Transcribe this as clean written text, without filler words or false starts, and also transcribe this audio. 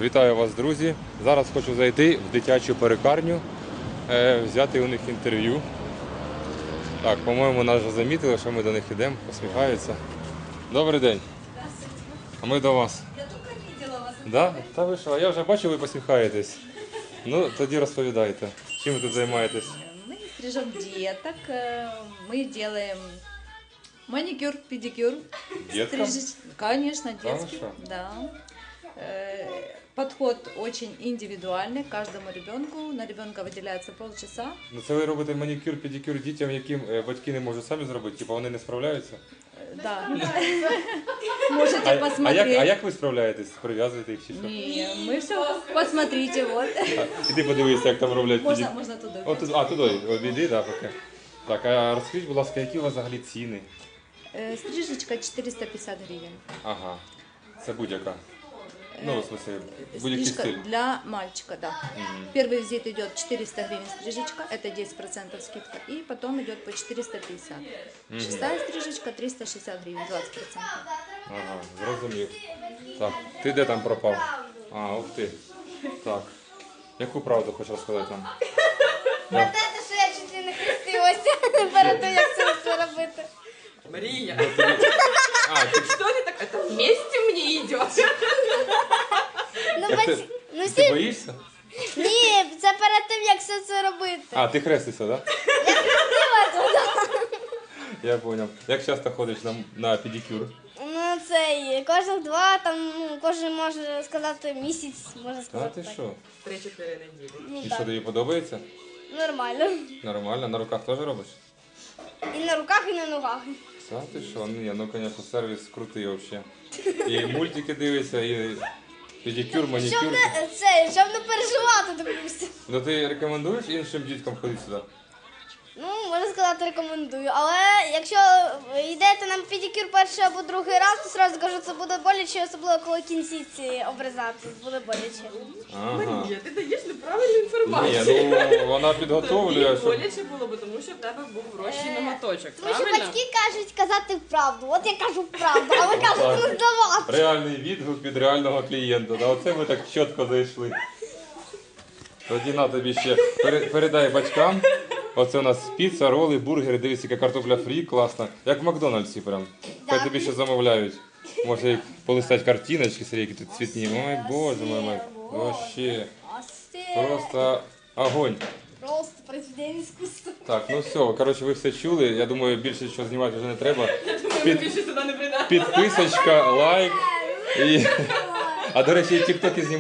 Вітаю вас, друзі! Зараз хочу зайти в дитячу перукарню, взяти у них інтерв'ю. Так, по-моєму, нас вже замітили, що ми до них йдемо, посміхаються. Добрий день! А ми до вас. Я тільки бачила вас. Да? Та ви що, а я вже бачу, ви посміхаєтесь. Ну, тоді розповідайте, чим ви тут займаєтесь? Мы стрижем деток, мы делаем маникюр, педикюр. Деткам? Конечно, Да, детский. что? Да. Подход очень индивидуальный к каждому ребенку. На ребенка выделяется полчаса. Ну, це ви робите манікюр, педикюр дітям, яким батьки не можуть самі зробити, типу вони не справляються? Да. Можете посмотреть. А як ви справляєтесь? Прив'язуєте їх чи що? Не, мы все, посмотрите, вот. Іди подивися, як там роблять педикюр. Можно туда. О, туди, обійди, да, поки. Так, а розкажіть, будь ласка, які у вас взагалі ціни? Стрижечка 450 гривен. Ага, це будь-яка. Ну, в смысле, будь-який Стрижка стиль. для мальчика, да. Первый визит идет 400 гривен стрижечка, это 10% скидка, и потом идет по 450. Шестая стрижечка 360 гривен, 20%. Ага, зрозумів. Так, ти де там пропав? А, ух ти. Так. Яку правду хочеш розказати нам? Те, що я чуть не хрестилася перед тим, як це все робити. Мария, А, ти, что ты так? Это вместе мне идет. Ну, як ти, ну ти всі... боїшся? Ні, це перед тим, як все це робити. А, ти хрестишся, так? Я зрозумів. Як часто ходиш на педикюр? Ну, це кожних два, там, ну, кожен може сказати місяць, можна А сказати ти так. що? 3-4 недели. Ну, І так. що, тобі подобається? Нормально. Нормально, на руках теж робиш? І на руках, і на ногах. Та ти що? Ну, звісно, сервіс крутий взагалі. І мультики дивишся, і педикюр, манікюр. Щоб не переживати, допустим. Ну ти рекомендуєш іншим діткам ходити сюди? Ну, можна сказати, рекомендую. Але якщо йдете на педикюр перший або другий раз, то одразу кажу, це буде боляче, особливо коли кінцівці обрізати, буде боляче. Ага. Марія, ти даєш неправильну інформацію. Ні, ну вона підготовлює, Тобі щоб... боляче було, бо тому що в тебе був врощий ноготочок, Тому що правильно? батьки кажуть казати правду. От я кажу правду, а ви кажете не здавати. Реальний відгук від реального клієнта. Да, оце ми так чітко зайшли. Тоді на тобі ще передай батькам. Оце у нас піца, роли, бургери, дивись, яка картопля фрі, класна. Як в Макдональдсі прям. Хай тобі ще замовляють. Може їх полистати картиночки, смотри, які тут цвітні. Ой, боже мой. Вообще. Просто огонь. Просто произведення іскусства. Так, ну все, коротше, ви все чули. Я думаю, більше нічого знімати вже не треба. Ми більше сюди не прийдемо. Підписочка, лайк. І... А до речі, і тіктоки знімають.